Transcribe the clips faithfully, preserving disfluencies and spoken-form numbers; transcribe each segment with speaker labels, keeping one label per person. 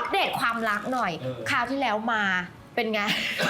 Speaker 1: เดตความรักหน่อยคราวที่แล้วมาเป็นไง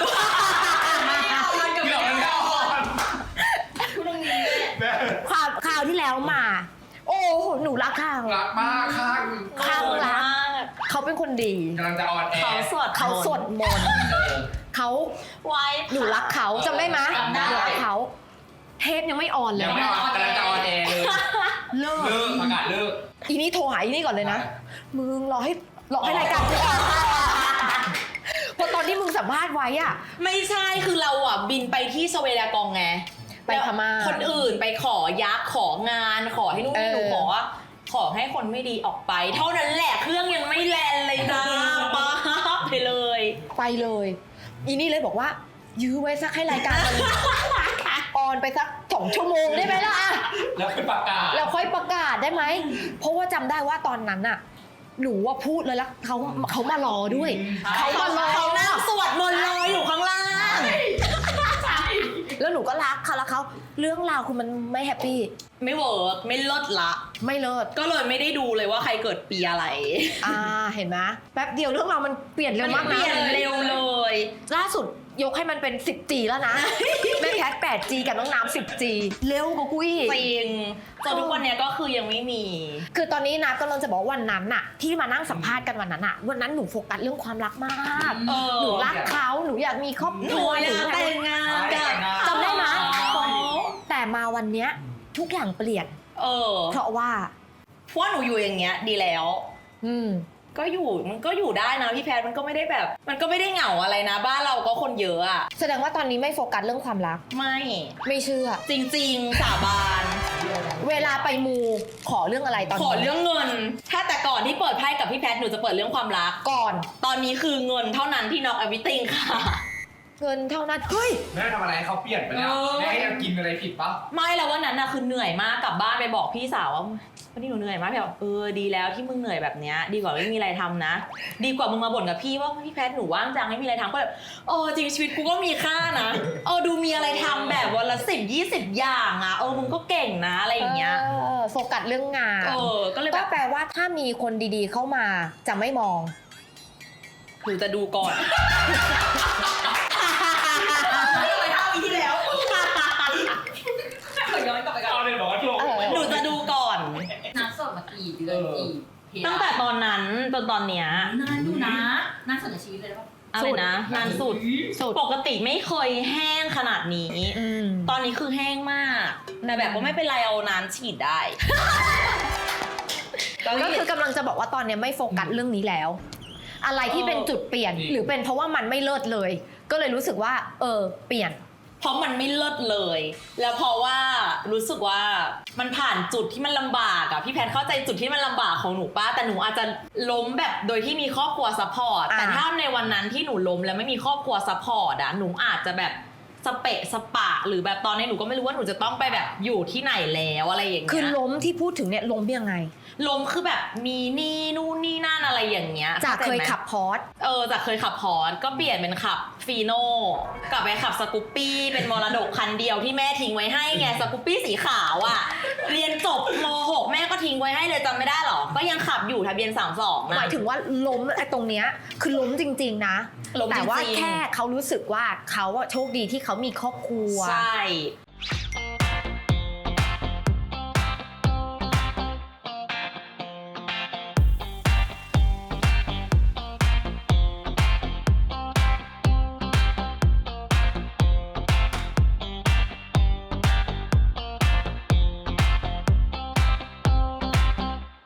Speaker 1: ความคราวที่แล้วมา โอ้โหหนูรักข้าง
Speaker 2: รักมากข้าง
Speaker 1: ข้างรักเขาเป็นคนดี
Speaker 2: กำลังจะออนแอร์
Speaker 1: เขาสวดเขาสวดมนต์เขาไว้หนูรักเขาจำได้ไหมหนูรักเขาเทปยังไม่ออนเลย
Speaker 2: ยังไม่ออนกำลังจะออนแอร์เลย
Speaker 1: เลิก
Speaker 2: เลิกประกาศเลิก
Speaker 1: อีนี่โทรหาอีนี่ก่อนเลยนะมึงรอให้รอให้รายการกูออนเพราะตอนที่มึงสัมภาษณ์ไว้อะ
Speaker 3: ไม่ใช่คือเราอ่ะบินไปที่สเวดากองไง
Speaker 1: ไปพม่า
Speaker 3: คนอื่นไปขอยักษ์ของานขอให้นู่นนี่หนูขอขอให้คนไม่ดีออกไปเท่านั้นแหละเครื่องยังไม่แลนเลยนะป้าไปเลย
Speaker 1: ไปเลยอีนี่เลยบอกว่ายื้อไว้สักให้รายการออนไปสักสองชั่วโมงได้ไหมล่ะ
Speaker 2: แล้วค่อยประกาศ
Speaker 1: แล้วค่อยประกาศได้ไหมเพราะว่าจำได้ว่าตอนนั้นอะหนูว่าพูดเลยละเขาเขามารอด้วยเขามารอ
Speaker 3: เขานั่งสวดมนต์รออยู่ข้างล่าง
Speaker 1: แล้วหนูก็รักเขาแล้วเขาเรื่องราวคือมันไม่แฮปปี้
Speaker 3: ไม่เวิร์กไม่เลิศละ
Speaker 1: ไม่เลิศ
Speaker 3: ก็เลยไม่ได้ดูเลยว่าใครเกิดปีอะไร
Speaker 1: อ่าเห็นไหมแป๊บเดียวเรื่องราวมันเปลี่ยนเร็วมากนะ
Speaker 3: เปลี่ยนเร็วเลย
Speaker 1: ล่าสุดยกให้มันเป็น สิบจี แล้วนะแม่แคท แปดจี กับน้องน้ำ สิบจี เร็วกว่ากูอีก
Speaker 3: จริงจนทุกวันนี้ก็คือยังไม่มี
Speaker 1: คือตอนนี้นะก็เราจะบอกวันนั้นน่ะที่มานั่งสัมภาษณ์กันวันนั้นน่ะวันนั้นหนูโฟกัสเรื่องความรักมากหนูรักเขาหนูอยากมีครอบครัว
Speaker 3: หนูอยากแต่งงาน
Speaker 1: จำได้ไหมแต่มาวันเนี้ยทุกอย่างเปลี่ยน
Speaker 3: เออ
Speaker 1: เพราะว่า
Speaker 3: เพราะหนูอยู่อย่างเงี้ยดีแล้ว
Speaker 1: อืม
Speaker 3: ก็อยู่มันก็อยู่ได้นะพี่แพทมันก็ไม่ได้แบบมันก็ไม่ได้เหงาอะไรนะบ้านเราก็คนเยอะอะ
Speaker 1: แสดงว่าตอนนี้ไม่โฟกัสเรื่องความรัก
Speaker 3: ไม่
Speaker 1: ไม่เชื่อ
Speaker 3: จริงๆสาบาน
Speaker 1: เวลาไปมูขอเรื่องอะไรตอนนี้
Speaker 3: ขอเรื่องเงินถ้าแต่ก่อนที่เปิดไพ่กับพี่แพทหนูจะเปิดเรื่องความรัก
Speaker 1: ก่อน
Speaker 3: ตอนนี้คือเงินเท่านั้นที่น็อกแอวิติ้งค่ะ
Speaker 1: เงินเท่านั้นเฮ้ย
Speaker 2: แม่ทำอะไรเขาเปลี่ยนไปแล้วแม่ให้เรากินอะไรผิดปะ
Speaker 3: ไม่แล้ววันนั้นน่ะคือเหนื่อยมากกลับบ้านไปบอกพี่สาวว่าวันนี้หนูเหนื่อยมากพี่บอกเออดีแล้วที่มึงเหนื่อยแบบเนี้ยดีกว่าไม่มีอะไรทำนะดีกว่ามึงมาบ่นกับพี่ว่าพี่แพทหนูว่างจังไม่มีอะไรทำก็แบบเออจริงชีวิตกูก็มีค่านะเออดูมีอะไรทำแบบวันละสิบยี่สิบอย่างอ่ะเออมึงก็เก่งนะอะไรอย่างเงี้ย
Speaker 1: โฟกัสเรื่องงาน
Speaker 3: เออก็เลย
Speaker 1: ก็แปลว่าถ้ามีคนดีๆเข้ามาจะไม่มอง
Speaker 3: หนูจะดูก่อนหนูจะดูก่อน
Speaker 4: นัดสดมากี่เดือนกี่
Speaker 3: ตั้งแต่ตอนนั้นจนตอนเนี้ย
Speaker 4: นานอยู่นะนานสุดในชีวิตเลยป่ะ
Speaker 3: อะไรนะนานสุดปกติไม่เคยแห้งขนาดนี้ตอนนี้คือแห้งมากแต่แบบว่าไม่เป็นไรเอาน้ำฉีดได้
Speaker 1: ก็คือกำลังจะบอกว่าตอนนี้ไม่โฟกัสเรื่องนี้แล้วอะไรที่เป็นจุดเปลี่ยนหรือเป็นเพราะว่ามันไม่เลิศเลยก็เลยรู้สึกว่าเออเปลี่ยน
Speaker 3: เพราะมันไม่เลิศเลยแล้วเพราะว่ารู้สึกว่ามันผ่านจุดที่มันลำบากอะพี่แพทเข้าใจจุดที่มันลำบากของหนูป้าแต่หนูอาจจะล้มแบบโดยที่มีครอบครัวซัพพอร์ตแต่ถ้าในวันนั้นที่หนูล้มแล้วไม่มีครอบครัวซัพพอร์ตอะหนูอาจจะแบบสเปะสปะหรือแบบตอนนี้หนูก็ไม่รู้ว่าหนูจะต้องไปแบบอยู่ที่ไหนแล้วอะไรอย่างเงี้ย
Speaker 1: คือล้มที่พูดถึงเนี่ยล้มยังไง
Speaker 3: ล้มคือแบบมีนี่นู่นนี่นั่นอะไรอย่างเงี้ย
Speaker 1: จากเคยขับพอร์ต
Speaker 3: เออจากเคยขับพอร์ตก็เปลี่ยนเป็นขับฟีโน่กลับไปขับสกูปปี้เป็นมรดกคันเดียวที่แม่ทิ้งไว้ให้ไงสกูปปี้สีขาวอ่ะเรียนจบม หกแม่ก็ทิ้งไว้ให้เลยจำไม่ได้หรอก็ยังขับอยู่ทะเบียนสามสองนะ
Speaker 1: หมายถึงว่าล้มไอ้ตรงเนี้ยคือล้มจริงๆนะแต่ว่าแค่เขารู้สึกว่าเขาโชคดีที่เขามีครอบครัว
Speaker 3: ใช่